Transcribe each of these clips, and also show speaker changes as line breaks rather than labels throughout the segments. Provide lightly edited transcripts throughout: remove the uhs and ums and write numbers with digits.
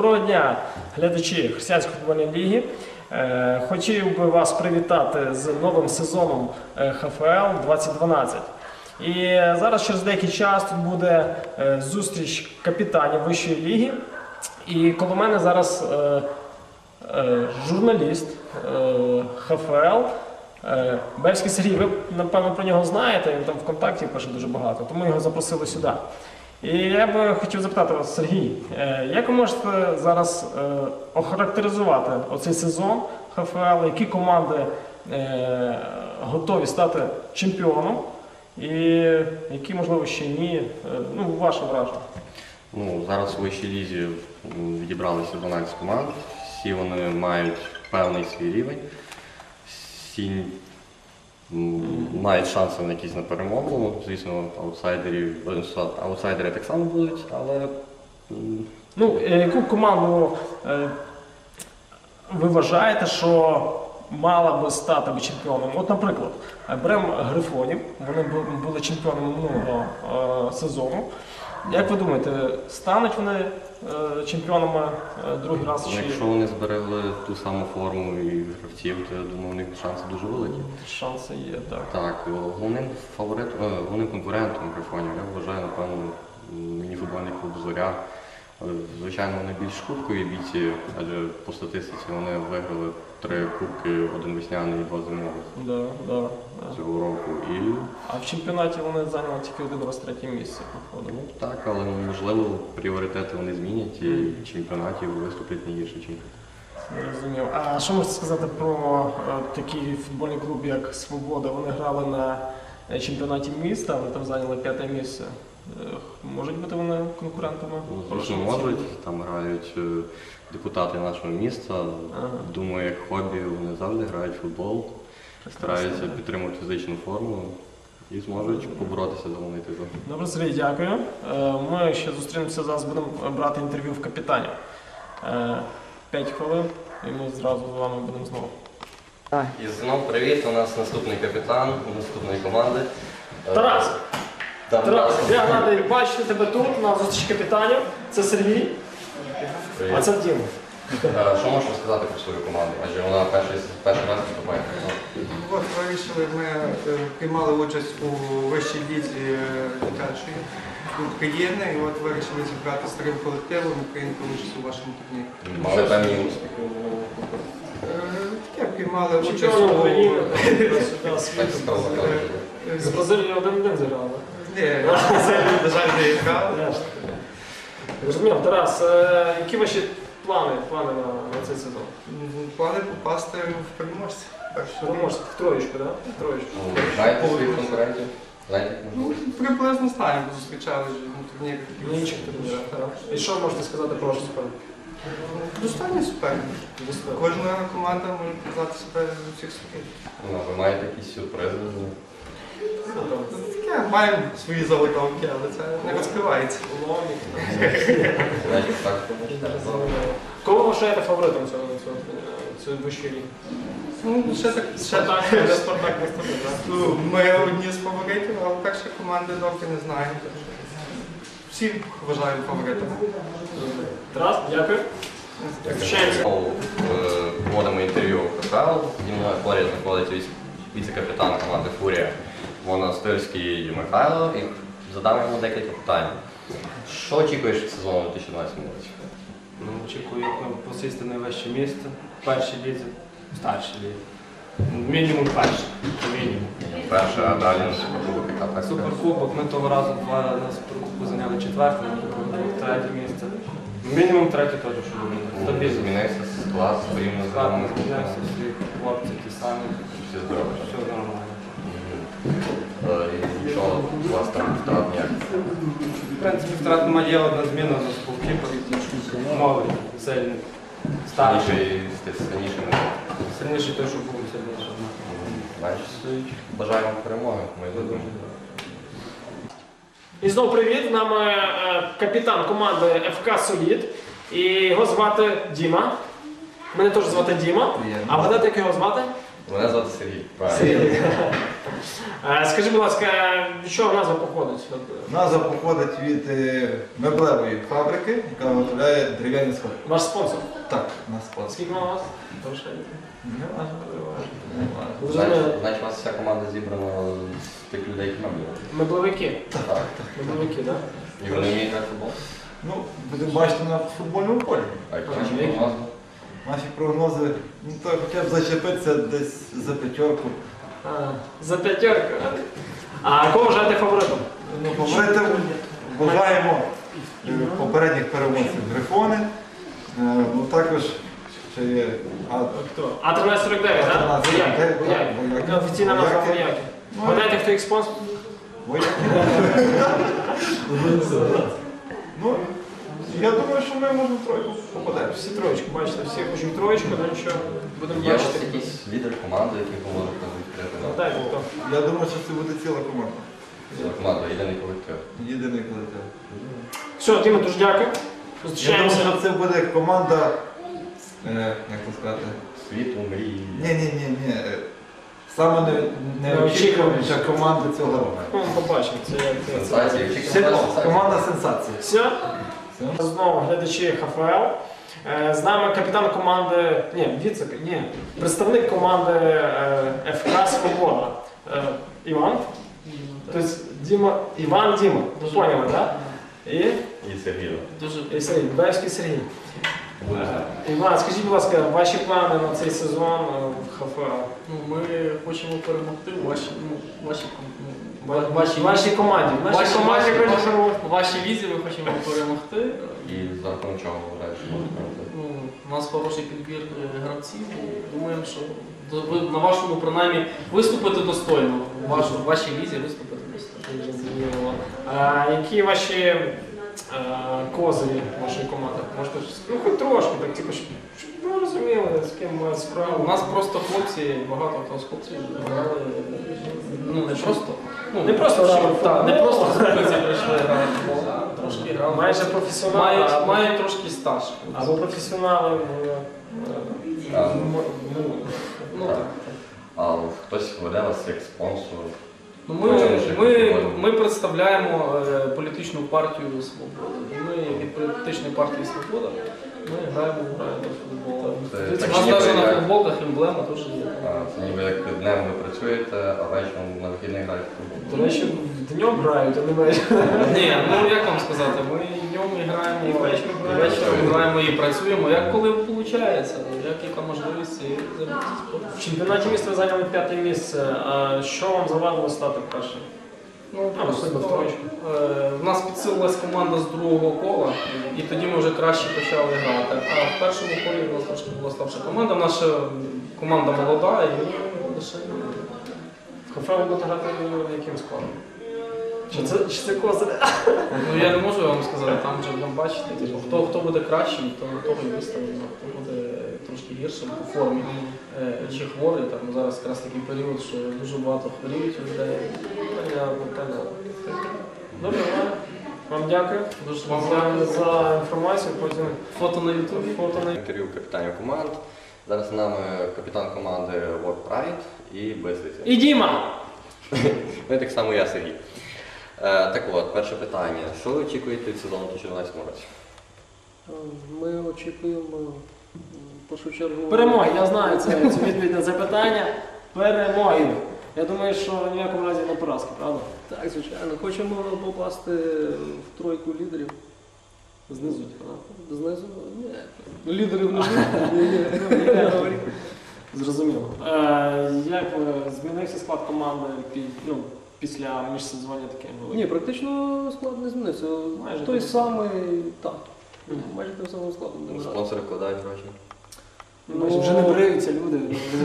Доброго дня, глядачі Християнської футбольної ліги. Хотів би вас привітати з новим сезоном ХФЛ 2012. І зараз через деякий час тут буде зустріч капітанів вищої ліги. І коло мене зараз журналіст ХФЛ Бельський Сергій. Ви, напевно, про нього знаєте, він там ВКонтакті пише дуже багато, тому його запросили сюди. І я би хотів запитати вас, Сергій, як ви можете зараз охарактеризувати оцей сезон ХФЛ, які команди готові стати чемпіоном і які, можливо, ще ні, ваше враження?
Зараз у вищій лізі відібралися 12 команд, всі вони мають певний свій рівень, всі мають шанси на якісь на перемогу. Звісно, аутсайдери так само будуть, але...
Яку команду ви вважаєте, що мала би стати чемпіоном? От, наприклад, беремо Грифонів, вони були чемпіонами минулого сезону. Як ви думаєте, стануть вони чемпіонами другий раз?
Якщо вони зберегли ту саму форму і гравців, то я думаю, у них шанси дуже великі.
Шанси є, так.
Так, головним конкурентом Грифонів я вважаю, напевно, міні-футбольний клуб «Зоря». Звичайно, вони більш кубкові бійці, адже по статистиці вони виграли 3 кубки, 1 весняний і 2 зимових цього року.
А в чемпіонаті вони зайняли тільки 1 раз 3-є місце.
Так, але можливо пріоритети вони змінять і в чемпіонаті виступлять не гірше, ніж.
Розумів. А що можете сказати про такий футбольний клуб, як «Свобода»? Вони грали на чемпіонаті міста, вони там зайняли 5-те місце. Можуть бути вони конкурентами?
Звісно, можуть. Там грають депутати нашого міста. Думаю, як хобі вони завжди грають в футбол, стараються підтримувати фізичну форму і зможуть поборотися за головний титул.
Добре, Сергій, дякую. Ми ще зустрінемося, зараз будемо брати інтерв'ю в капітанів. 5 хвилин і ми зразу з вами будемо знову.
І знову привіт, у нас наступний капітан наступної команди.
Тарас! Тарас, я радий бачити тебе тут, на зустрічі капітанів. Це Сергій, а це Діма.
Що можеш сказати про свою команду? Адже вона перший раз виступає.
От вирішили, ми приймали участь у вищій лізі дитячої України, і от вирішили зібрати старим колективом і прийняти участь у вашому турнірі.
Мали певні успіхи?
Таке, приймали участь
Чемпіон
у...
України,
Так
з Бразилією 1-1 зіграли.
Ні, на жаль, не грав.
Розумів, Тарас, які ваші плани на цей сезон?
Плани попасти в переможця.
Переможця в троєчку, так?
Знаєте своїх конкурентів?
Приблизно знаємо, бо зустрічали вже на турнірі.
В інших турнірах, так. І що можете сказати про вашу суперник?
Достойний суперник. Кожна команда може показати себе з усіх сторін.
Ви маєте якісь сюрпризи?
Таке, маємо свої заготовки, але це не розкривається.
Кого ви вважаєте фаворитом цього вищої ліги? Спартак наступний, так?
Ми одні з фаворитів, але перші команди доки не знаємо. Всі вважаємо фаворитами.
Тарас, дякую.
Проводимо інтерв'ю в ХФЛ. Зі мною поряд знаходиться віце-капітан команди «Фурія» Монастирський Михайло. І задам йому декілька питань. Що очікуєш від сезону 2012 році?
Очікую посісти найвище місце в першій лізі, в старшій лізі. Мінімум перше. Мінімум.
Перше, а далі на Суперкубок і так.
Суперкубок, ми того разу на Суперкубку зайняли 4-те, на Суперкубок 3-те місце. Мінімум 3-те теж, що буде.
Змінився склад, порівняно з вами.
Змінився, всі хлопці ті самі.
Всі здорові.
Все нормально.
І що у вас там втрат ніяк?
В принципі, втрат немає, є одна зміна на голкіпер. Новий, сильний, старший. Сильніший той, що був сильніший.
Значить, бажаю вам перемоги.
І знову привіт, з нами капітан команди ФК «Солід». І його звати Діма. Мене теж звати Діма. А вгадати, як його звати?
Мене звати Сергій. Правильно.
Скажи, будь ласка, від чого назва походить?
Назва походить від меблевої фабрики, яка виготовляє дерев'яні сходи.
Ваш спонсор.
Так, на спонсор.
Скільки у вас?
Не важно.
Значить, у вас вся команда зібрана з тих людей, які нам є.
Мебловики.
Так.
Мебловики, так?
І вони вміють грати в футбол?
Ну, будемо бачити на футбольному полі.
А які ваші прогнози?
Наші прогнози, ну то хоча б зачепитися десь за п'ятерку.
За п'ятерку. А кого вважаєте фаворитом?
Ну, фаворитом вважаємо попередніх переможців Грифони. Ну також ще є
Хто? А1349, так?
1349,
Вояки.
Вояки.
Офіційна назва
Вояки.
вояки.
Ну,
Гадайте, хто їх спонсор?
Вояки. Ну, я думаю, що ми можемо в тройку попадемо.
Всі троєчку, бачите, всі хочуть троєчку, ну нічого, будемо
Є у вас
бачити.
якийсь лідер команди, який поможе відкрити нам?
Дайте хто.
Я думаю, що це буде ціла команда.
Ціла команда, єдиний колектив.
Єдиний колектив.
Все, Діма, дуже дякую.
Я думаю,
Зустрічаємося.
що це буде команда, як це сказати,
Світу, мрії.
ні. Саме неочікуваніша команда цього року.
Ну, побачимо, це як це.
Сенсації.
Команда сенсації.
Все.
Все.
Знову глядачі ХФЛ. З нами капітан команди, представник команди ФК «Свобода». Іван. Тобто Іван Діма. Ви поняли, так?
І Сергій.
І Сергій, Баївський Сергій. Іван, скажіть, будь ласка, ваші плани на цей сезон в ХФЛ?
Ну, ми хочемо перемогти в
Вашій команді. В нашій команді
вашій візі ми хочемо перемогти.
І за рахунок чого вважаєш, що може перемогти?
Ну, у нас хороший підбір гравців. Думаємо, що ви на вашому принаймні виступити достойно. В вашій візі виступити достойно.
Зрозуміло. Які ваші козирі вашої команди? Можете ну, хоч трошки, так, типу, щоб ви розуміли, з ким мають
У
справу.
нас просто хлопці, багато хто з хлопців грали. Ну не просто. Ну,
Не просто
всі,
грали в
так, не
футбол.
просто з вулиці прийшли грати в футбол. Трошки грали.
Майже професіонали.
Мають трошки стаж.
Або професіонали.
Ну так.
А хтось веде вас як спонсор?
Ну,
Ми-
ми представляємо політичну партію «Свобода». І ми від політичної партії «Свобода» ми граємо в футбол.
Це
У
так
нас
ніби
навіть на
як-
футболках емблема теж є.
Це ніби як днем ви працюєте, а вечором на вихідних граєте в футбол.
До речі, днем грають, а не вечором.
Ні, ну як вам сказати, ми і днем і граємо, і вечором граємо і працюємо, як коли виходить, як яка можливість і займатися спортом.
В чемпіонаті міста ви зайняли 5-те місце. А що вам завадило стати першим?
Ну,
просто в троєчку.
в нас підсилилась команда з другого кола, і тоді ми вже краще почали грати. А в першому колі у нас трошки була слабша команда. Наша команда молода, і ми лише
В ХФЛ ви будете грати яким складом? Чи це козирі?
ну, я не можу вам сказати, там вже будемо бачити. Хто буде кращим, того і виставимо. Хто буде трошки гіршим по формі чи хворий. Там зараз якраз такий період, що дуже багато хворіють у людей.
Понятно. Добре, Іване. Вам дякую.
Дуже вам
Дякую за інформацію. Потім
фото на ютубі.
фото на
Інтерв'ю капітанів команд. Зараз з нами капітан команди World Pride і Безліця.
І Діма!
Ну і так само я, Сергій. Так от, перше питання. Що ви очікуєте від сезону у 2014 році?
Ми очікуємо в першу чергу
Перемоги, я знаю цю відповідь на це питання. Перемоги. Я думаю, що в ніякому разі не поразки, правда?
Так, звичайно. Хочемо попасти в тройку лідерів.
Знизу, так?
Знизу? Ні. Лідерів внизу? Ні.
Зрозуміло. Як змінився склад команди після міжсезоння таке було?
Ні, практично склад не змінився.
Майже
Той
так.
самий, так. Майже тим самим складом не грати.
Спонсори вкладають гроші.
Ну, вже не бриються люди.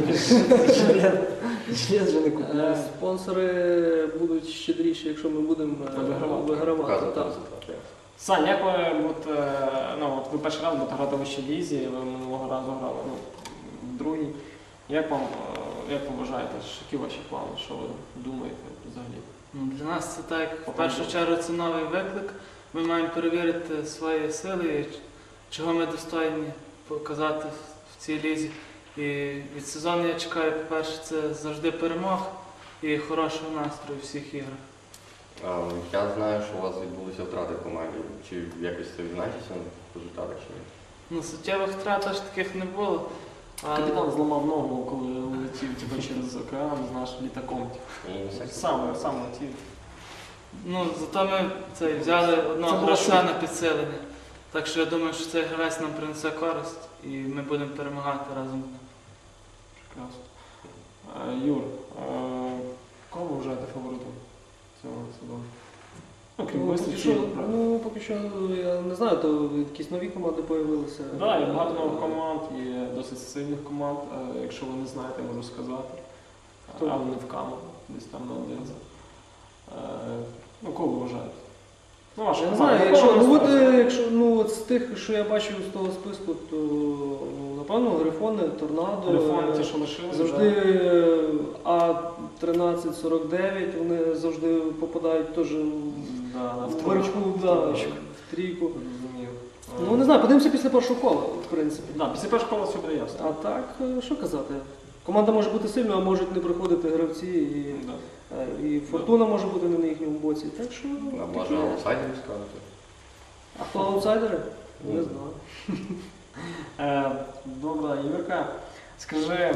Жилет вже не купляють.
Спонсори будуть щедріші, якщо ми будемо вигравати.
Показувати
Так.
результат.
Сань, як ви перший раз будете грати в вищій лізі, ви минулого разу грали в другій. Як вам вважаєте, які ваші плани, що ви думаєте взагалі?
Ну, для нас це так, в першу чергу це новий виклик. Ми маємо перевірити свої сили, чого ми достойні показати в цій лізі. І від сезону я чекаю, по-перше, це завжди перемог і хорошого настрою у всіх іграх.
Я знаю, що у вас відбулися втрати в команді. Чи якось це відзначиться в результатах чи ні?
Ну, суттєвих втрат аж таких не було. Але
Капітан зламав ногу, коли летів через океан з нашим літаком. Сам летів.
ну, зато ми взяли
Це
одного
було
гравця
швидко.
на підсилення. Так що я думаю, що цей гравець нам принесе користь і ми будемо перемагати разом з ним.
Прекрасно. Юр, кого ви вважаєте фаворитом цього сезону? Крім Мислича.
Поки що, я не знаю, то якісь нові команди з'явилися.
Так, є багато нових команд, є досить сильних команд. Якщо ви не знаєте, я можу сказати.
Хто?
А вони в Кам'янці, десь там на Одинці. Кого ви вважаєте? Ну, ваша
Я не
команда.
знаю,
Кого ви ставите?
якщо з тих, що я бачив з того списку, то напевно Грифони, Торнадо.
Телефони ті, що лишилися.
Завжди А1349, вони завжди попадають теж
в
вверху,
тройку.
в трійку.
Зрозумів.
Ну не знаю, подивимося після першого кола, в принципі.
Після першого кола все буде ясно.
А так, що казати? Команда може бути сильною, а можуть не приходити гравці, і фортуна може бути не на їхньому боці. Так що.
А може аутсайдерів скажете?
А хто аутсайдери? Не знаю.
Добре, Юрка, скажи,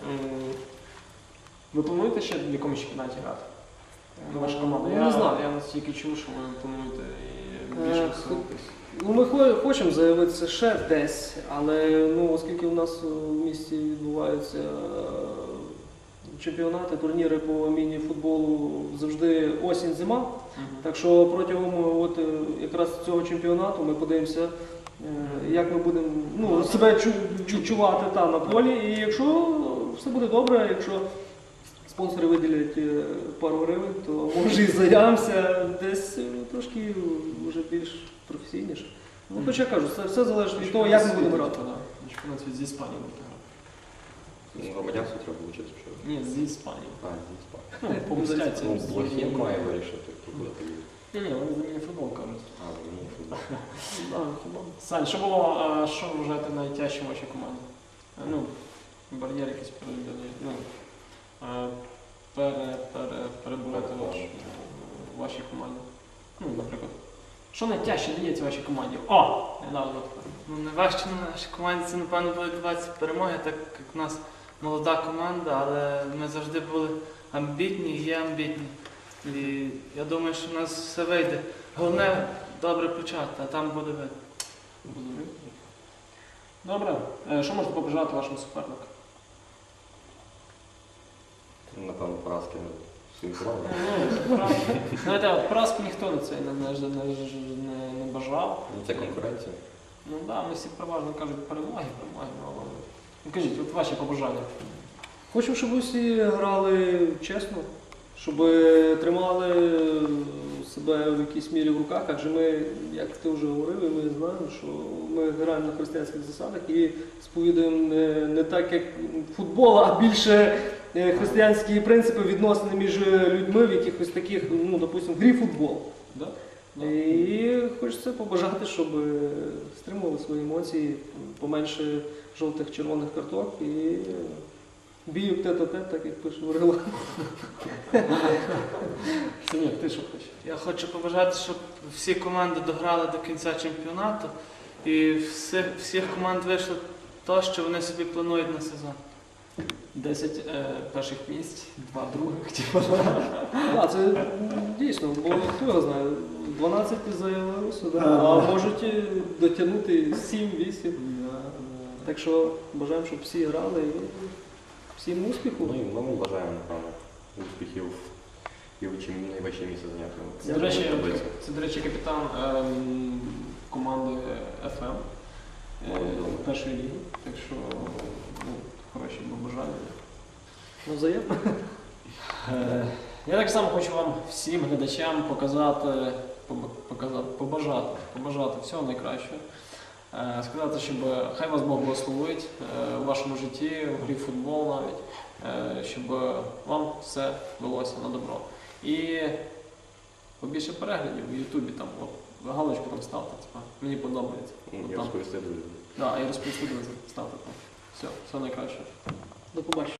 ви плануєте ще в якомусь чемпіонаті грати? Ваша команда?
Не знаю.
Я настільки чув, що ви плануєте і більше висунутись.
Ми хочемо заявитися ще десь, але оскільки у нас в місті відбуваються чемпіонати, турніри по міні-футболу завжди осінь-зима. Так що протягом якраз цього чемпіонату ми подивимося, як ми будемо себе чувати на полі. І якщо все буде добре, якщо спонсори виділять пару гривень, то може і заявимося десь трошки вже більш професійніше. Хоча я кажу, все залежить від того, як ми будемо грати.
Чемпіонат з Іспанії будете грати.
Громадянство треба вчити, що?
Ні, з Іспанії.
З Іспанії.
Помстяться.
Блохін має вирішити, куди ти їдеш.
Ні, вони за міні-футбол кажуть.
Футбол.
Сань, що ви вважаєте найтяжчим в вашій команді? Бар'єр якийсь перебувати в вашій команді. Наприклад. Що найтяжче дається вашій команді? Недавно таке.
Найважче на нашій команді це, напевно, буде 20 перемоги, так як у нас молода команда, але ми завжди були амбітні і є амбітні. І я думаю, що в нас все вийде. Головне добре почати, а там буде видно.
Добре. Що можете побажати вашим суперникам?
Напевно, поразки всім командам.
Знаєте, поразки ніхто не бажав.
Це конкуренція.
Ми всі переважно кажуть перемоги. Кажіть, от ваші побажання.
Хочемо, щоб усі грали чесно, щоб тримали себе в якійсь мірі в руках, адже ми, як ти вже говорив, і ми знаємо, що ми граємо на християнських засадах і сповідуємо не так, як футбол, а більше християнські принципи відносини між людьми в якихось таких, допустимо, грі футбол. І хочеться побажати, щоб стримували свої емоції, поменше жовтих, червоних карток і бійок тет-а-тет, так як пише Орела.
Синєк, ти що хочеш?
Я хочу побажати, щоб всі команди дограли до кінця чемпіонату і всіх команд вийшло те, що вони собі планують на сезон.
10 перших місць, 2 других.
Так, це дійсно, бо хто його знає, 12 заявилося, а можуть дотягнути 7-8. Так що бажаємо, щоб всі грали і всім успіху.
Ну і ми бажаємо, напевно, успіхів і в найвищі місце зайняти.
Це, до речі, капітан команди FM першої ліги. Так що хороші побажання.
Взаємно.
Я так само хочу вам всім глядачам побажати всього найкращого. Сказати, щоб хай вас Бог благословить у вашому житті, в грі в футбол навіть, щоб вам все велося на добро. І побільше переглядів в Ютубі, там, галочку там ставте, мені подобається.
І розповісти друзям.
І розповісти друзям, ставте там.
Все найкраще. До побачення.